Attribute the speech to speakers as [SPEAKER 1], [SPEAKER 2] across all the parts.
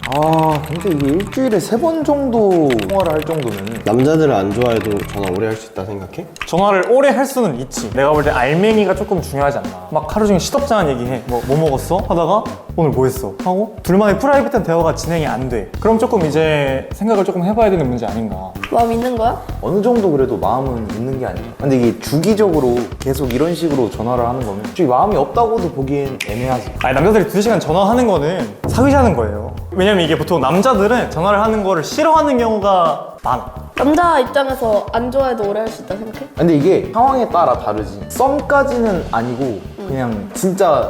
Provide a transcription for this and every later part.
[SPEAKER 1] 근데 이게 일주일에 3번 정도 통화를 할 정도면
[SPEAKER 2] 남자들은 안 좋아해도 전화 오래 할 수 있다 생각해?
[SPEAKER 3] 전화를 오래 할 수는 있지. 내가 볼 때 알맹이가 조금 중요하지 않나. 막 하루 종일 시덥잖은 얘기해. 뭐 먹었어? 하다가 오늘 뭐 했어? 하고 둘만의 프라이빗한 대화가 진행이 안 돼. 그럼 조금 이제 생각을 조금 해봐야 되는 문제 아닌가.
[SPEAKER 4] 마음 있는 거야?
[SPEAKER 1] 어느 정도 그래도 마음은 있는 게 아닌가. 근데 이게 주기적으로 계속 이런 식으로 전화를 하는 거면 솔직히 마음이 없다고도 보기엔 애매하지.
[SPEAKER 3] 아니 남자들이 2시간 전화하는 거는 사귀자는 거예요. 왜냐면 이게 보통 남자들은 전화를 하는 거를 싫어하는 경우가 많아.
[SPEAKER 4] 남자 입장에서 안 좋아해도 오래 할 수 있다 생각해?
[SPEAKER 1] 근데 이게 상황에 따라 다르지. 썸까지는 아니고 그냥 진짜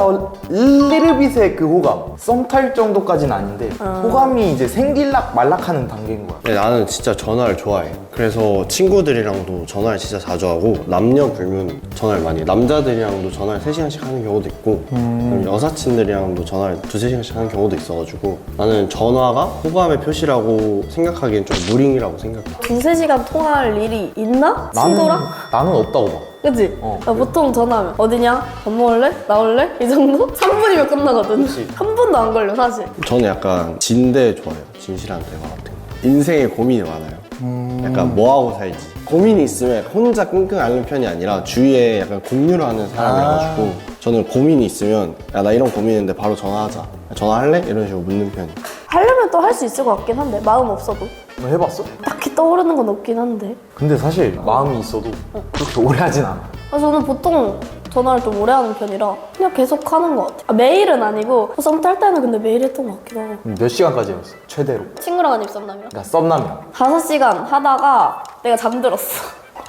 [SPEAKER 1] 리르빗의 그 호감. 썸 탈 정도까지는 아닌데 호감이 이제 생길락 말락하는 단계인 거야.
[SPEAKER 2] 근데 나는 진짜 전화를 좋아해. 그래서 친구들이랑도 전화를 진짜 자주 하고 남녀 불문 전화를 많이 해. 남자들이랑도 전화를 3시간씩 하는 경우도 있고 그리고 여사친들이랑도 전화를 2~3시간씩 하는 경우도 있어가지고 나는 전화가 호감의 표시라고 생각하기엔 좀 무링이라고 생각해.
[SPEAKER 4] 2~3시간 통화할 일이 있나? 친구랑?
[SPEAKER 1] 나는 없다고 봐.
[SPEAKER 4] 그치? 나 보통 전화하면 어디냐? 밥 먹을래? 나올래? 이 정도? 3분이면 끝나거든. 한 분도 안 걸려 사실.
[SPEAKER 2] 저는 약간 진대 좋아해요. 진실한 대화 같은 거. 인생에 고민이 많아요. 약간 뭐하고 살지. 고민이 있으면 혼자 끙끙 앓는 편이 아니라 주위에 약간 공유를 하는 사람이라가지고 저는 고민이 있으면 야 나 이런 고민인데 바로 전화하자. 전화할래? 이런 식으로 묻는 편이에요.
[SPEAKER 4] 하려면 또 할 수 있을 것 같긴 한데 마음 없어도
[SPEAKER 1] 너 해봤어?
[SPEAKER 4] 딱히 떠오르는 건 없긴 한데.
[SPEAKER 1] 근데 사실 마음이 있어도 그렇게 오래 하진 않아.
[SPEAKER 4] 저는 보통 전화를 좀 오래 하는 편이라 그냥 계속 하는 것 같아요. 매일은 아니고 썸 탈 때는 근데 매일 했던 것 같기도 하고.
[SPEAKER 1] 몇 시간까지 해봤어? 최대로.
[SPEAKER 4] 친구랑 아니면 썸남이랑?
[SPEAKER 1] 그러니까 썸남이랑.
[SPEAKER 4] 5시간 하다가 내가 잠들었어.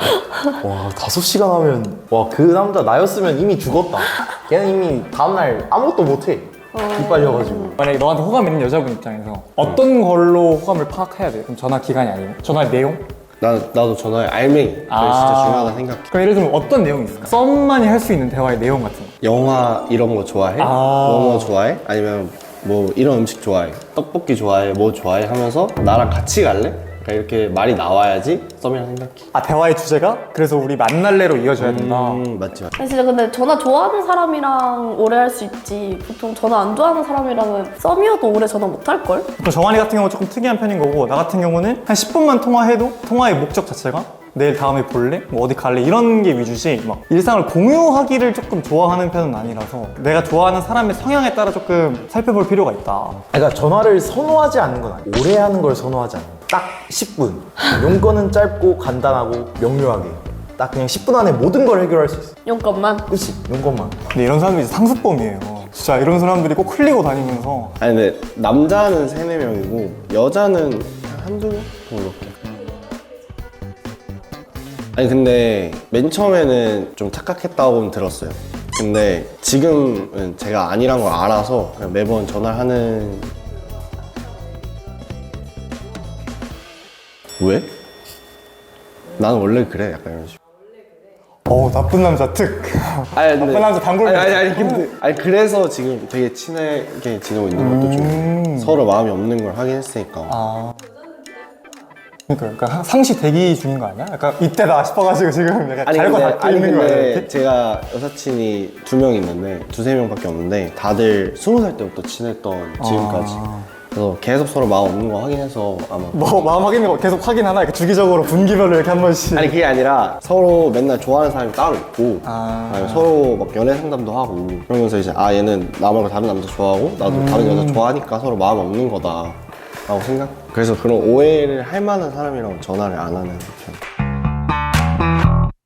[SPEAKER 1] 와 5시간 하면 와 그 남자 나였으면 이미 죽었다. 걔는 이미 다음날 아무것도 못해. 기빨려가지고.
[SPEAKER 3] 만약에 너한테 호감 있는 여자분 입장에서 어떤 걸로 호감을 파악해야 돼? 그럼 전화 기간이 아니면 전화 내용?
[SPEAKER 2] 나도 전화의 알맹이. 그게 진짜 중요하다 생각해.
[SPEAKER 3] 그럼 예를 들면 어떤 내용이 있을까? 썸만이 할 수 있는 대화의 내용 같은 거.
[SPEAKER 2] 영화 이런 거 좋아해? 뭐 좋아해? 아니면 뭐 이런 음식 좋아해? 떡볶이 좋아해? 뭐 좋아해? 하면서 나랑 같이 갈래? 그러니까 이렇게 말이 나와야지 썸이라 생각해.
[SPEAKER 3] 대화의 주제가? 그래서 우리 만날래로 이어져야 된다.
[SPEAKER 2] 맞지.
[SPEAKER 4] 아니, 진짜 근데 전화 좋아하는 사람이랑 오래 할 수 있지. 보통 전화 안 좋아하는 사람이랑은 썸이어도 오래 전화 못 할걸?
[SPEAKER 3] 또 정한이 같은 경우는 조금 특이한 편인 거고 나 같은 경우는 한 10분만 통화해도 통화의 목적 자체가 내일 다음에 볼래? 뭐 어디 갈래? 이런 게 위주지 막 일상을 공유하기를 조금 좋아하는 편은 아니라서 내가 좋아하는 사람의 성향에 따라 조금 살펴볼 필요가 있다.
[SPEAKER 1] 그러니까 전화를 선호하지 않는 건 아니야. 오래 하는 걸 선호하지 않는. 딱 10분. 용건은 짧고 간단하고 명료하게. 딱 그냥 10분 안에 모든 걸 해결할 수 있어.
[SPEAKER 4] 용건만.
[SPEAKER 1] 그치? 용건만.
[SPEAKER 3] 근데 이런 사람들이 상습범이에요. 진짜 이런 사람들이 꼭 흘리고 다니면서
[SPEAKER 2] 아니 근데 남자는 3~4명이고 여자는 한두 명? 그렇게. 아니 근데 맨 처음에는 좀 착각했다고는 들었어요. 근데 지금은 제가 아니란 걸 알아서 그냥 매번 전화를 하는. 왜? 나는 원래 그래. 약간 이런 식으로.
[SPEAKER 3] 나쁜 남자 특.
[SPEAKER 2] 아니,
[SPEAKER 3] 나쁜 남자 단골.
[SPEAKER 2] 아니 그래서 지금 되게 친하게 지내고 있는 것도 좀 서로 마음이 없는 걸 확인했으니까.
[SPEAKER 3] 그러니까 상시 대기 중인 거 아니야? 약간 이때다 싶어가지고 지금 약간 잘고 닫고 있는 거야.
[SPEAKER 2] 근데 제가 여사친이 2명 있는데 2~3명밖에 없는데 다들 20살 때부터 친했던 지금까지. 그래서 계속 서로 마음 없는 거 확인해서 아마.
[SPEAKER 3] 뭐 마음 확인을 계속 확인하나? 이렇게 주기적으로 분기별로 이렇게 한 번씩.
[SPEAKER 2] 아니 그게 아니라 서로 맨날 좋아하는 사람이 따로 있고 아니, 서로 막 연애 상담도 하고 그러면서 이제 얘는 나 말고 다른 남자 좋아하고 나도 다른 여자 좋아하니까 서로 마음 없는 거다 라고 생각. 그래서 그런 오해를 할 만한 사람이랑 전화를 안 하는 편.